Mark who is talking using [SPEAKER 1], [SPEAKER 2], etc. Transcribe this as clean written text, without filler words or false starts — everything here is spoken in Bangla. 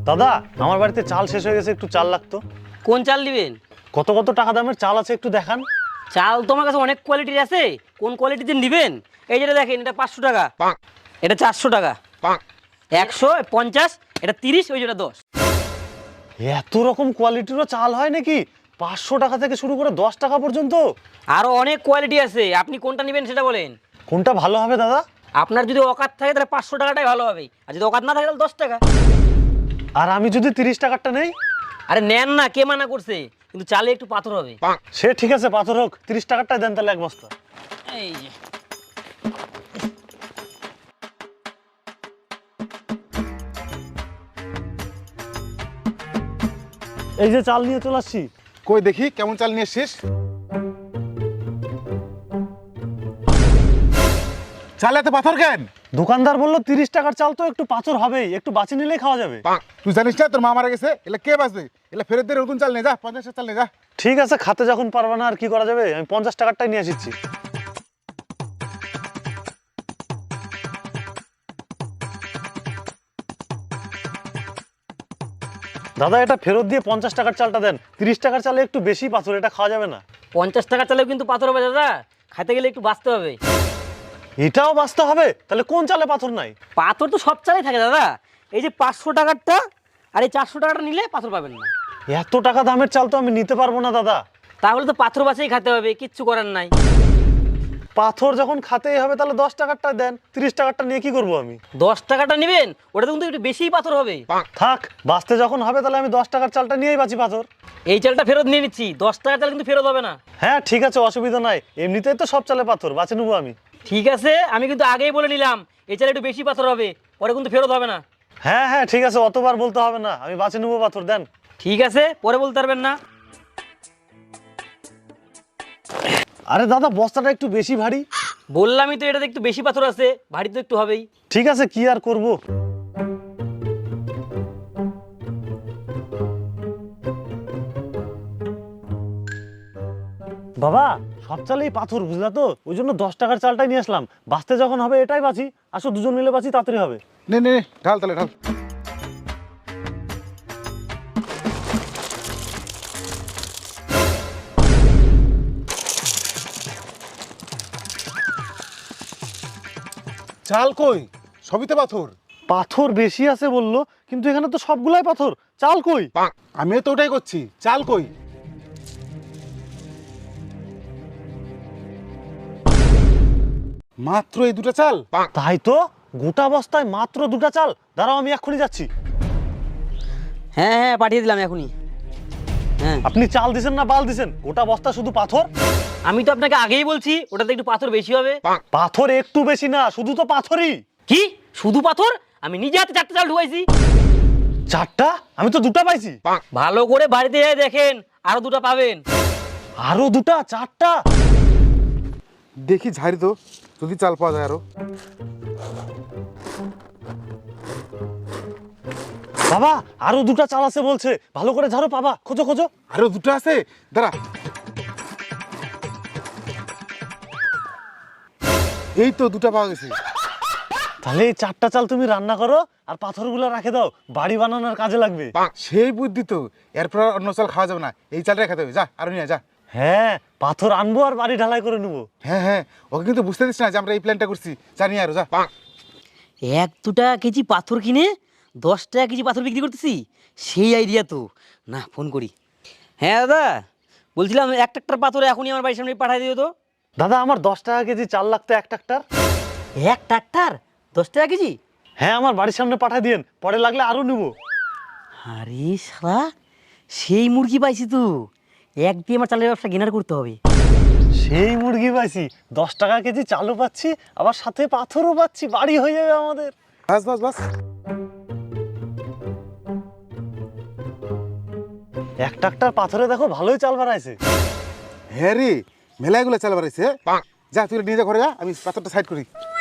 [SPEAKER 1] দাদা আমার বাড়িতে চাল শেষ হয়ে গেছে, একটু চাল লাগতো।
[SPEAKER 2] কোন চাল নেবেন?
[SPEAKER 1] কত কত টাকা দামের চাল আছে একটু দেখান।
[SPEAKER 2] চাল তোমার কাছে অনেক কোয়ালিটির আছে, কোন কোয়ালিটিতে নেবেন? এই যেটা দেখেন, এটা 500 টাকা, এটা 400 টাকা, 150, এটা 30, ওই যেটা 10।
[SPEAKER 1] এত রকম কোয়ালিটিরও চাল হয় নাকি? 500 টাকা থেকে শুরু করে 10 টাকা পর্যন্ত?
[SPEAKER 2] আরও অনেক কোয়ালিটি আছে, আপনি কোনটা নেবেন সেটা বলেন।
[SPEAKER 1] কোনটা ভালো হবে দাদা?
[SPEAKER 2] আপনার যদি অকাত থাকে তাহলে 500 টাকাটাই ভালো হবে, আর যদি অকাত না থাকে তাহলে 10 টাকা।
[SPEAKER 1] আর আমি যদি 30 টাকারটা নেই?
[SPEAKER 2] আরে নেন না, কে মানা করছে, কিন্তু চালে একটু পাথর হবে।
[SPEAKER 1] সে ঠিক আছে, পাথর হোক, 30 টাকারটাই দেন তাহলে এক বস্তা।
[SPEAKER 2] এই যে
[SPEAKER 1] এই যে চাল নিয়ে চলে আসছি।
[SPEAKER 3] কই দেখি কেমন চাল নিয়ে এসছিস। চালে এত পাথর কেন?
[SPEAKER 1] দোকানদার বললো 30 টাকার চাল তো একটু পাথর হবেই, একটু বাঁচিয়ে নিলেই খাওয়া যাবে।
[SPEAKER 3] তুই জানিস না তোর মা মারা গেছে, এলা কে বাঁচবে? এলা ফেরত দিয়ে নতুন চাল নিয়ে যা, 50 চাল নিয়ে যা।
[SPEAKER 1] ঠিক আছে, খাতে যখন পারবে না আর কি করা যাবে, আমি 50 টাকারটাই নিয়ে এসেছি। দাদা এটা ফেরত দিয়ে 50 টাকার চালটা দেন। 30 টাকার চালে একটু বেশি পাথর, এটা খাওয়া যাবে না।
[SPEAKER 2] 50 টাকা চালেও কিন্তু পাথর হবে দাদা, খাইতে গেলে একটু বাঁচতে হবে।
[SPEAKER 1] এটাও বাঁচতে হবে? তাহলে কোন চালে পাথর নাই?
[SPEAKER 2] পাথর তো সব চালেই থাকে দাদা, এই যে 500 টাকারটা আর এই 400 টাকাটা নিলে পাথর পাবেন না।
[SPEAKER 1] এত টাকা দামের চাল তো আমি নিতে পারবো না দাদা।
[SPEAKER 2] তাহলে তো পাথর বাঁচিয়ে খেতে হবে, কিচ্ছু করার নাই।
[SPEAKER 1] পাথর যখন খাতেই হবে তাহলে 10 টাকারটা দেন, 30 টাকারটা নিয়ে কি করবো আমি?
[SPEAKER 2] 10 টাকাটা নেবেন, ওটা কিন্তু একটু বেশিই পাথর হবে।
[SPEAKER 1] থাক, বাঁচতে যখন হবে তাহলে আমি 10 টাকার চালটা নিয়েই বাঁচি পাথর।
[SPEAKER 2] এই চালটা ফেরত নিয়ে নিচ্ছি, 10 টাকার চাল কিন্তু ফেরত হবে না।
[SPEAKER 1] হ্যাঁ ঠিক আছে, অসুবিধা নাই, এমনিতেই তো সব চালে পাথর, বাঁচে নেবো আমি।
[SPEAKER 2] ঠিক আছে, আমি কিন্তু আগেই বলে নিলাম এই চালে একটু বেশি পাথর হবে, পরে কিন্তু ফেরত হবে না।
[SPEAKER 1] হ্যাঁ হ্যাঁ ঠিক আছে, অতবার বলতে হবে না, আমি বাঁচে নেবো পাথর, দেন।
[SPEAKER 2] ঠিক আছে, পরে বলতে পারবেন না।
[SPEAKER 1] আরে দাদা বস্তাটা একটু বেশি ভারী।
[SPEAKER 2] বললামই তো এটাতে একটু বেশি পাথর আছে, ভারী তো একটু হবেই।
[SPEAKER 1] ঠিক আছে, কি আর করব। বাবা সব চালেই পাথর, বুঝলা তো, ওই জন্য 10 টাকার চালটাই নিয়ে আসলাম। বাঁচতে যখন হবে এটাই বাঁচি, আসো দুজন মিলে বাঁচি, তাড়াতাড়ি হবে।
[SPEAKER 3] নে নে নে, ঢাল তাহলে ঢাল। চাল কই? সবই তো পাথর।
[SPEAKER 1] পাথর বেশি আছে বললো, কিন্তু এখানে তো সবগুলাই পাথর, চাল কই?
[SPEAKER 3] আমিও তো ওটাই করছি, চাল কই? মাত্র এই দুটো চাল?
[SPEAKER 1] তাই তো, গোটা বস্তায় মাত্র 2টা চাল। দাঁড়াও আমি এক্ষুনি যাচ্ছি।
[SPEAKER 2] হ্যাঁ হ্যাঁ, পাঠিয়ে দিলাম এখনই। হ্যাঁ,
[SPEAKER 1] আপনি চাল দিছেন না বাল দিছেন? গোটা বস্তা শুধু পাথর।
[SPEAKER 2] আমি তো আপনাকে আগেই বলছি ওটাতে একটু পাথর বেশি হবে।
[SPEAKER 1] পাথর একটু বেশি না, শুধু তো পাথরই।
[SPEAKER 2] কি শুধু পাথর? আমি নিজে হাতে 4টা চাল ঢুকাইছি।
[SPEAKER 1] 4টা? আমি তো 2টা পাইছি।
[SPEAKER 2] ভালো করে বাড়িতে যাই দেখেন, আরো 2টা পাবেন।
[SPEAKER 1] আরো 2টা? 4টা?
[SPEAKER 3] দেখি ঝাড়ি তো, যদি চাল পাওয়া যায় আরো।
[SPEAKER 1] বাবা আরো 2টা চাল আছে বলছে, ভালো করে ঝাড়ো, পাবা, খোঁজো খোঁজো।
[SPEAKER 3] আরো দুটো আছে, দাঁড়া। এই তো 2টা পাওয়া গেছে।
[SPEAKER 1] তাহলে এই 4টা চাল তুমি রান্না করো, আর পাথরগুলো রাখে দাও, বাড়ি বানানোর কাজে লাগবে।
[SPEAKER 3] সেই বুদ্ধি তো, এরপর আর অন্য চাল খাওয়া যাবে না, এই চালটাই খেতে হবে। যা আরো নিয়ে যা।
[SPEAKER 1] হ্যাঁ, পাথর আনবো আর বাড়ি ঢালাই করে নেবো।
[SPEAKER 3] হ্যাঁ হ্যাঁ, ওকে কিন্তু বুঝতে দিস না যে আমরা এই প্ল্যানটা করছি। জানি আরো যা।
[SPEAKER 2] 1-2 কেজি পাথর কিনে 10 টাকা কেজি পাথর বিক্রি করতেছি, সেই আইডিয়া তো। না, ফোন করি। হ্যাঁ দাদা, বলছিলাম 1 ট্রাক্টর পাথর এখনই আমার বাড়ির সামনে পাঠিয়ে দিও তো।
[SPEAKER 1] দাদা আমার 10 টাকা কেজি চাল লাগতো, 1 ট্রাক্টর।
[SPEAKER 2] 1 ট্রাক্টর 10 টাকা কেজি?
[SPEAKER 1] হ্যাঁ আমার বাড়ির সামনে পাঠিয়ে দিন, পরে লাগলে আরো নেবো।
[SPEAKER 2] আরে শালা, সেই মুরগি পাইছি তো, এক দিয়ে আমার চালের ব্যবসা গেনার করতে হবে।
[SPEAKER 1] সেই মুরগি পাইছি, 10 টাকা কেজি চালও পাচ্ছি, আবার সাথে পাথরও পাচ্ছি, বাড়ি হয়ে যাবে আমাদের।
[SPEAKER 3] বাস বাস বাস।
[SPEAKER 1] 1 ট্রাক্টর পাথরে দেখো ভালোই চাল বাড়াইছে।
[SPEAKER 3] হ্যাঁ রে, মেলাগুলো চাল বাড়াইছে। যা তুই নিয়ে যা ঘরে, যা, আমি পাথরটা সাইড করি।